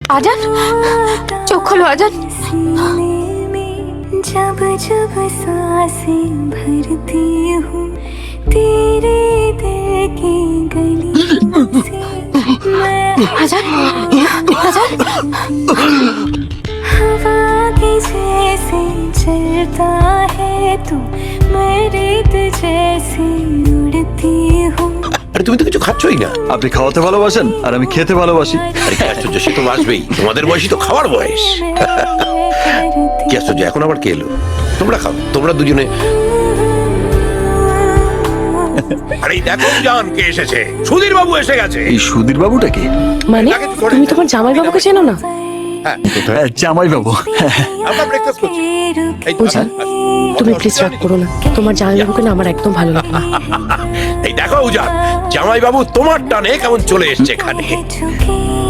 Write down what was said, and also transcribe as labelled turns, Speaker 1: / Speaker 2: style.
Speaker 1: আজান, চোখ খোলো আজান।
Speaker 2: जब जब सांसें भरती हूँ तेरे दिल की गलियों से मैं
Speaker 1: আজান, আজান,
Speaker 2: हवा के जैसे चलता है तू मैं रेत जैसे उड़ती हूँ।
Speaker 3: আরে তুমি তো কিছু খাচ্ছই না।
Speaker 4: আপনি খাওয়াতে ভালোবাসেন আর আমি খেতে ভালোবাসি।
Speaker 3: আরে কি আশ্চর্য, সে তো আসবেই, তোমাদের বয়সই তো খাওয়ার বয়স। কি আশ্চর্য, এখন আবার কে এলো? তোমরা খাও, তোমরা দুজনে। আরে দেখো জান কে এসেছে, সুধীর বাবু এসে গেছে।
Speaker 4: এই সুধীর বাবুটা কি?
Speaker 1: মানে তুমি তোমার জামাই বাবুকে চেনো না?
Speaker 4: হ্যাঁ, জামাই বাবু।
Speaker 3: আমরা ব্রেকফাস্ট করছি। এই তো,
Speaker 1: বুঝা, তুমি প্লিজ রাগ করো না, তোমার জামাই বাবুকে না আমার একদম ভালো লাগে না।
Speaker 3: এই দেখো উজান, জামাই বাবু তোমার টানে কেমন চলে এসেছে এখানে।
Speaker 2: झुके